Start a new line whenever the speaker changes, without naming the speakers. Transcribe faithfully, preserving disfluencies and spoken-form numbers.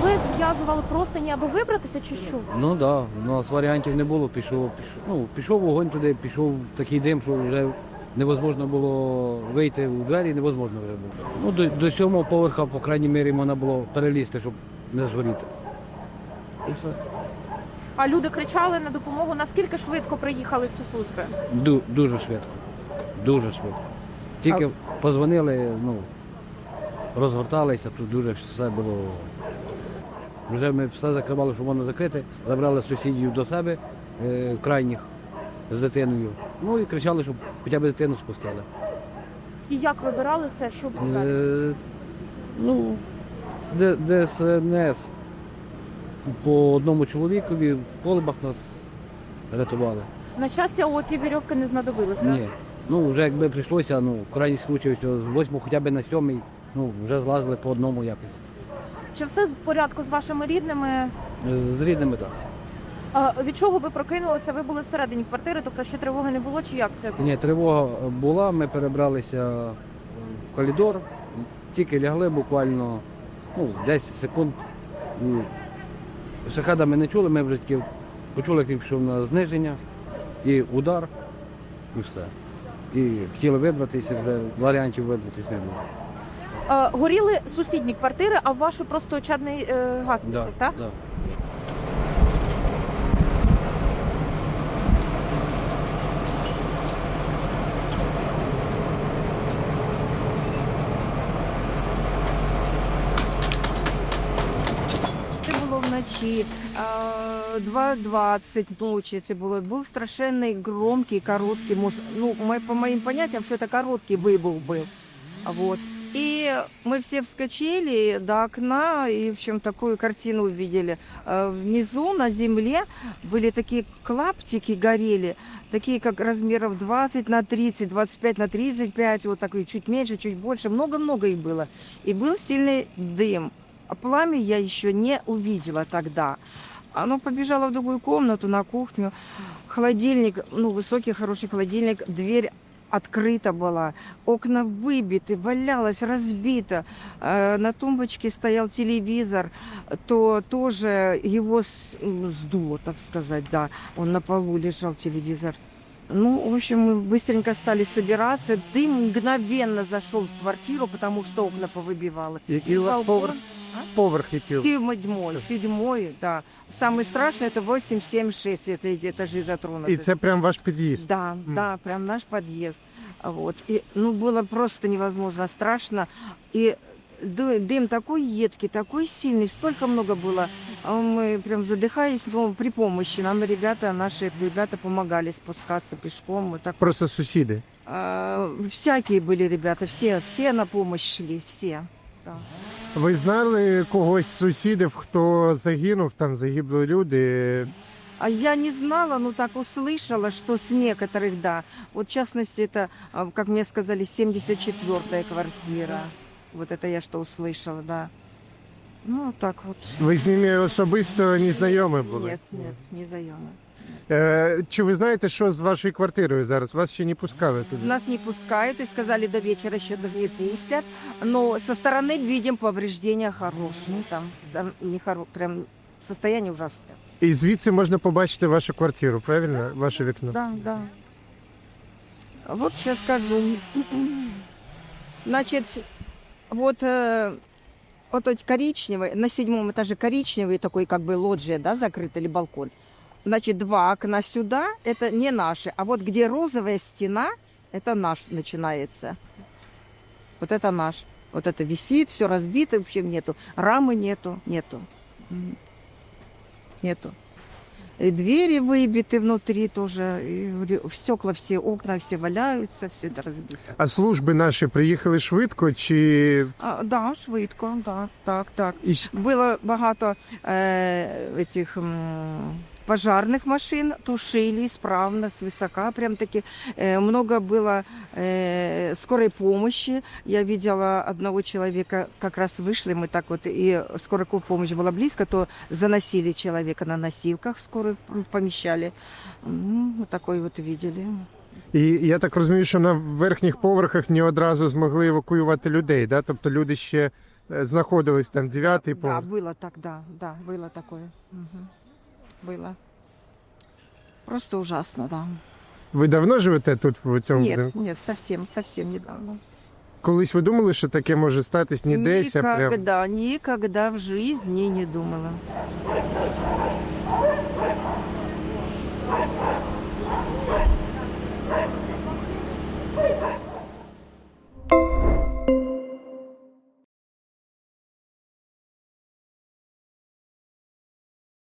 ви зв'язували простині, аби вибратися, чи що?
Ну так, да, у нас варіантів не було, пішов, пішов. Ну, пішов вогонь туди, пішов такий дим, що вже невозможно було вийти у двері, невозможно вже було. Ну, до, до сьомого поверха, по крайній мірі, можна було перелізти, щоб не згоріти. І все.
А люди кричали на допомогу. Наскільки швидко приїхали всі служби?
Ду, дуже швидко. Дуже швидко. Тільки позвонили, ну, розгорталися, тут дуже все було. Вже ми все закривали, що можна закрити, забрали сусідів до себе, е, крайніх, з дитиною. Ну і кричали, щоб хоча б дитину спустили.
І як вибиралися, що було далі?
Е, ну, Д- ДСНС по одному чоловікові в колибах нас рятували.
На щастя, оці вірьовки не знадобилися.
Ні. Ну, вже якби прийшлося, ну, в крайній случай, що з восьмого хоча б на сьомий, ну, вже злазили по одному якось.
Чи все в порядку з вашими рідними?
З рідними так.
А від чого ви прокинулися? Ви були всередині квартири, тобто ще тривоги не було, чи як це було?
Ні, тривога була, ми перебралися в коридор, тільки лягли буквально ну, десять секунд. Шахеда ми не чули, ми вже тільки почули, як він пішов на зниження і удар, і все. І хотіли вибратися, вже варіантів вибратися не було.
А, горіли сусідні квартири, а в вашу просто чадний е, газ пішов, так?
Да.
Це було вночі, а, два двадцять ночі це було. Був страшенний, громкий, короткий, мож- ну, мо- по моим понятиям, что это короткий выбух был. Вот. И мы все вскочили до окна и, в общем, такую картину увидели. А, Внизу на земле были такие клаптики, горели, такие как размеров двадцать на тридцать, двадцать пять на тридцать пять, вот такой, чуть меньше, чуть больше, много-много их было. И был сильный дым. А пламя я еще не увидела тогда. Оно побежало в другую комнату, на кухню. Холодильник, ну, высокий, хороший холодильник, дверь открыта была, окна выбиты, валялось, разбито. Э, На тумбочке стоял телевизор, то тоже его с- м, сдуло, так сказать, да. Он на полу лежал, телевизор. Ну, в общем, мы быстренько стали собираться. Дым мгновенно зашел в квартиру, потому что окна повыбивало.
Який у вас
Балкон.
поверх? Поверх який?
Седьмой, седьмой, да. Самый страшный это восемь, семь, шесть, это эти этажи затронуты.
І це прям ваш під'їзд?
Да, да, прям наш подъезд. Вот. И, ну, было просто невозможно страшно. И ды- дым такой едкий, такой сильный, столько много было. А мы прям задыхались, но при помощи нам ребята, наши ребята помогали спускаться пешком. Вот так.
Просто сусіди.
А, всякие были ребята, все, все на помощь шли, все. Да.
Ви знали когось з сусідів, хто загинув, там загибли люди?
А я не знала, но так услышала, что с некоторых, да. Вот в частности, это, а, как мне сказали, семьдесят четвёртая квартира. Вот это я что услышала, да. Ну, вот так вот.
Ви з ними особисто не знайомі були?
Нет, нет, не заема.
Е, чи ви знаєте, що з вашою квартирою зараз? Вас ще не пускали туди?
Нас не пускают и сказали, до вечера еще даже не пустят. Но со стороны видим повреждения хорошие. Там, там не хоро... прям состояние ужасное.
І звідси можна побачити вашу квартиру, правильно? Ваше вікно?
Да, да. Вот сейчас скажу. Значит, вот, э, вот эти коричневый, на седьмом этаже коричневый такой как бы лоджия, да, закрыт или балкон. Значит, два окна сюда, это не наши. А вот где розовая стена, это наш начинается. Вот это наш. Вот это висит, все разбито, вообще нету. Рамы нету, нету. М. Нету. И двери выбиты внутри тоже, и ре- стекла все, окна все валяются, все это разбито.
А служби наші приїхали швидко чи...
А, да, швидко, да, так, так.
І щ-
Було багато е, этих м, пожарных машин, тушили исправно, свысока, прям таки. Э, много было э, скорой помощи. Я видела одного человека, как раз вышли мы так вот, и скорая помощь была близко, то заносили человека на носилках, скорую помещали. Ну, вот такой вот видели.
І я так розумію, що на верхніх поверхах не одразу змогли евакуювати людей, да? Тобто люди ще е, знаходились там дев'ятий
Да,
поверх.
было так, да, да, было такое. Мгм. Было. Просто ужасно, да.
Ви давно живете тут в цьому
Нет,
будинку?
нет, совсем, совсем недавно.
Колись ви думали, що таке може статись ні десь, а прям
Никогда, никогда в жизни не думала.